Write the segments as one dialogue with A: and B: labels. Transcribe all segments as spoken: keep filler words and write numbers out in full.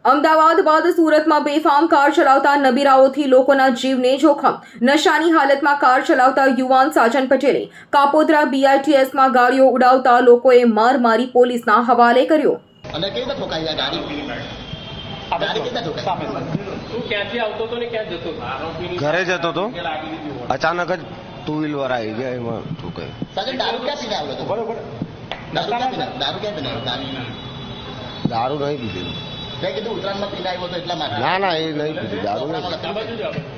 A: અમદાવાદ બાદ સુરતમાં બેફામ કાર ચલાવતા નબીરાઓથી લોકોના જીવને જોખમ. નશાની હાલતમાં કાર ચલાવતા યુવાન સાજન પટેલે કાપોદ્રા બીઆરટીએસમાં ગાડીઓ ઉડાવતા લોકોએ માર મારી પોલીસના હવાલે કર્યો.
B: અને કેવી રીતે ઠોકાઈ આ ગાડી ગાડી કેવી રીતે ઠોકાઈ?
C: તું ક્યાંથી આવતો હતો ને ક્યાં જતો હતો?
D: ઘરે જતો હતો, અચાનક જ ટુ વ્હીલર આવી ગયા, એમાં ઠોકાઈ.
B: સાજન દારૂ ક્યાં પીને આવ્યો હતો? બરોબર. દારૂ ક્યાં પીને દારૂ ક્યાં પીને આવ્યો?
D: દારૂ નહીં પીધેલું.
B: મેં કીધું ઉત્તરાયણમાં પીને આવ્યો હતો એટલા માટે.
D: ના ના, એ નહીં પીધું, દારૂ નહીં.
C: આ બાજુ જ આવો.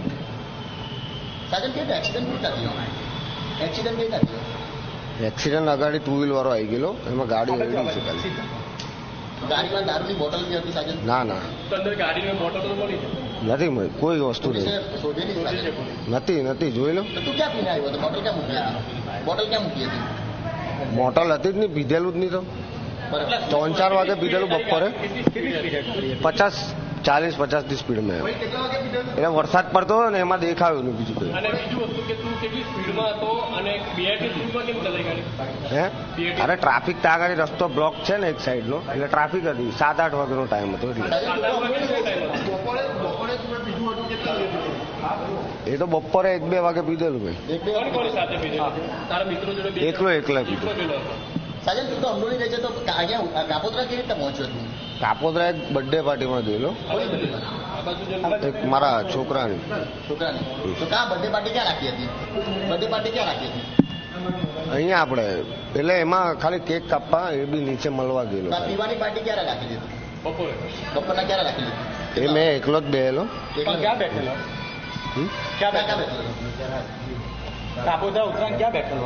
B: સાજન કેવી એક્સિડન્ટ કેવી રીતે થયો? એક્સિડન્ટ કેવી રીતે થયો?
D: એક્સિડન્ટ અગાડી ટુ વ્હીલર વાળો આવી ગયેલો, એમાં ગાડી રેડી છે ખાલી.
B: ગાડીમાં દારૂની બોટલ બી હતી સાજન?
D: ના ના,
C: તો અંદર ગાડીની બોટલ તો મળી છે?
D: નથી મળી, કોઈ વસ્તુ
B: પોલીસે
D: નહીં.
B: શોધેલી છે સાજન?
D: નથી નથી, જોઈ લો.
B: તો તું ક્યાં પીને આવ્યો હતો? બોટલ ક્યાં મૂકી હતી? બોટલ ક્યાં મૂકી હતી?
D: મોટલ હતી જ નહીં, પીધેલું જ નહીં. તો
B: બરાબર.
D: ત્રણ ચાર વાગે પીધેલું બપોરે, પચાસ ચાલીસ પચાસ ની સ્પીડમાં આવ્યો.
B: કેટલા વાગે પીધેલું?
D: એટલે વરસાદ પડતો હતો ને એમાં દેખાયું નહીં બીજું કંઈ.
C: અને બીજું વસ્તુ કે તું કેટલી સ્પીડમાં હતો અને બીઆરટી સ્પીડમાં કેમ ચલાવી ગાડી?
D: હે અરે ટ્રાફિક ત્યાં આગળ રસ્તો બ્લોક છે ને એક સાઈડનો, એટલે ટ્રાફિક હતી. સાત આઠ વાગ્યાનો ટાઈમ હતો એટલે.
B: બપોરે બપોરે તું પીધું હતું કેટલા વાગે પીધું?
D: એ તો બપોરે એક બે વાગે પીધેલું ભાઈ.
B: એક બે
C: કોની કોની સાથે પીધેલું? તારા મિત્રો જોડે બે
D: એકલો એકલા પીધો.
C: એકલો પેલો હતો.
B: સાજન તું તો અમરોલી રહે છે તો અહીંયા કાપોદ્રા કેવી રીતે પહોંચ્યો તું?
D: કાપોદ્રા એક બર્થડે પાર્ટીમાં ગયેલો,
B: કોઈ બધી
C: આ બાજુ જ
D: એક મારા છોકરાની.
B: છોકરાની. તો કા બર્થડે પાર્ટી ક્યાં રાખી હતી? બર્થડે પાર્ટી ક્યાં રાખી હતી?
D: અહીંયા આપણે એટલે એમાં ખાલી કેક કાપવા, એ બી નીચે મળવા ગયેલો.
B: તો આ પીવાની પાર્ટી ક્યારે રાખી દીધી?
C: બપોરે.
B: બપોરના ક્યારે રાખી દીધી?
D: એ મેં એકલો જ બેહેલો.
B: એકલા
C: ક્યાં બેઠેલો?
D: હમ?
B: ક્યાં ક્યાં બેઠેલો?
C: કાપોદ્રા ઉત્તરાયણ ક્યાં બેઠેલો?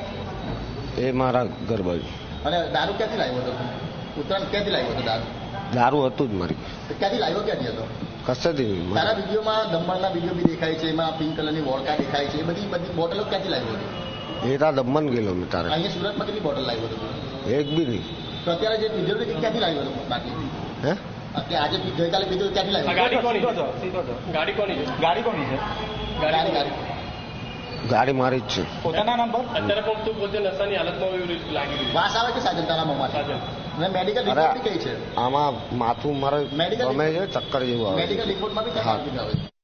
D: એ મારા ઘર બાજુ.
B: અને દારૂ ક્યાંથી લાવ્યો હતો? ઉત્તરાયણ ક્યાંથી લાવ્યો હતો દારૂ?
D: દારૂ હતું જ મારી,
B: તો ક્યાંથી લાવ્યો ક્યાંથી હતો?
D: કશેથી નહીં.
B: તારા વિડીયોમાં દમણના વિડીયો બી દેખાય છે, એમાં પિંક કલરની વોડકા દેખાય છે, એ બધી બધી બોટલો ક્યાંથી લાવ્યો હતો?
D: એ તા દમણ ગયેલો મેં તારે,
B: અહીંયા સુરતમાં કેટલી બોટલ લાવ્યો હતો તું?
D: એક બી નહીં.
B: તો અત્યારે જે પીધેલું છે ક્યાંથી લાવ્યો હતો બાકી?
D: હે
B: અત્યારે આજે ગઈકાલે પીધું ક્યાંથી
C: આ
B: લાવ્યો?
C: ગાડી કોની છે? ગાડી કોની છે? ગાડી કોની છે?
B: ગાડી ગાડી
D: ગાડી મારી જ છે.
C: પોતાના નામ પર? અત્યારે પણ તું પોતે નશાની હાલતમાં એવી લાગી રહ્યું.
B: વાસ આવે છે સાજન તારા મોંમાંથી?
C: સાજન.
B: અને મેડિકલ
D: અરે
B: રિપોર્ટ બી કઈ છે?
D: આમાં માથું મારે
B: Medical
D: ગમે છે, ચક્કર જેવું આવે છે.
B: મેડિકલ રિપોર્ટમાં બી
D: હા.
B: આવે છે.